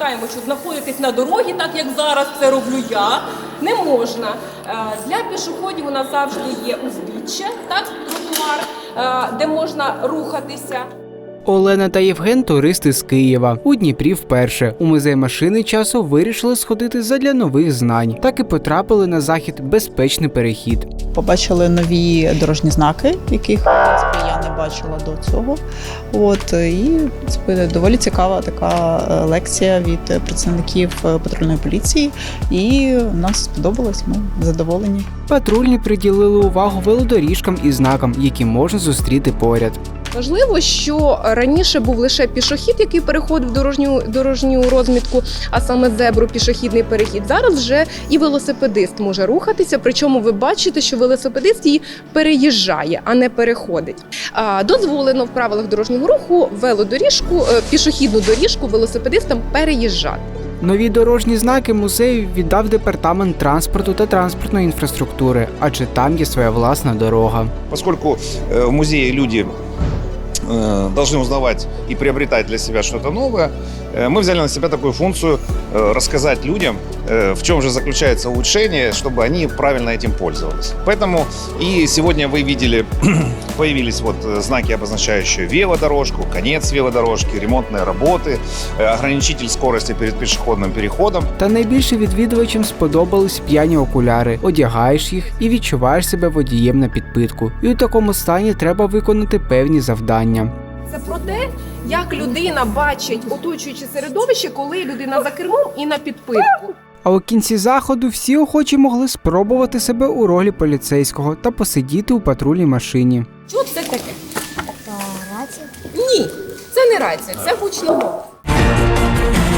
допускаємо, що знаходитись на дорогі, так як зараз це роблю я, не можна. Для пішоходів у нас завжди є узбіччя, так, тротуар, де можна рухатися. Олена та Євген – туристи з Києва. У Дніпрі вперше. У музей машини часу вирішили сходити задля нових знань. Так і потрапили на захід «Безпечний перехід». Побачили нові дорожні знаки, яких, в принципі, я не бачила до цього. І це доволі цікава така лекція від працівників патрульної поліції. І нам сподобалось, ми задоволені. Патрульні приділили увагу велодоріжкам і знакам, які можна зустріти поряд. Важливо, що раніше був лише пішохід, який переходив дорожню розмітку, а саме зебру, пішохідний перехід. Зараз вже і велосипедист може рухатися, причому ви бачите, що велосипедист її переїжджає, а не переходить. Дозволено в правилах дорожнього руху велодоріжку, пішохідну доріжку велосипедистам переїжджати. Нові дорожні знаки музею віддав департамент транспорту та транспортної інфраструктури, адже там є своя власна дорога. Поскольку в музее люди должны узнавать и приобретать для себя что-то новое, мы взяли на себя такую функцию рассказать людям, в чем же заключается улучшение, чтобы они правильно этим пользовались. Поэтому и сегодня вы видели, появились знаки, обозначающие велодорожку, конец велодорожки, ремонтные работы, ограничитель скорости перед пешеходным переходом. Та найбільше відвідувачам сподобались п'яні окуляри. Одягаєш їх і відчуваєш себе водієм на підпитку. І у такому стані треба виконати певні завдання. Це про те, як людина бачить оточуюче середовище, коли людина за кермом і на підпитку. А у кінці заходу всі охочі могли спробувати себе у ролі поліцейського та посидіти у патрульній машині. Що це таке? Рація? Ні, це не рація, це гучномов.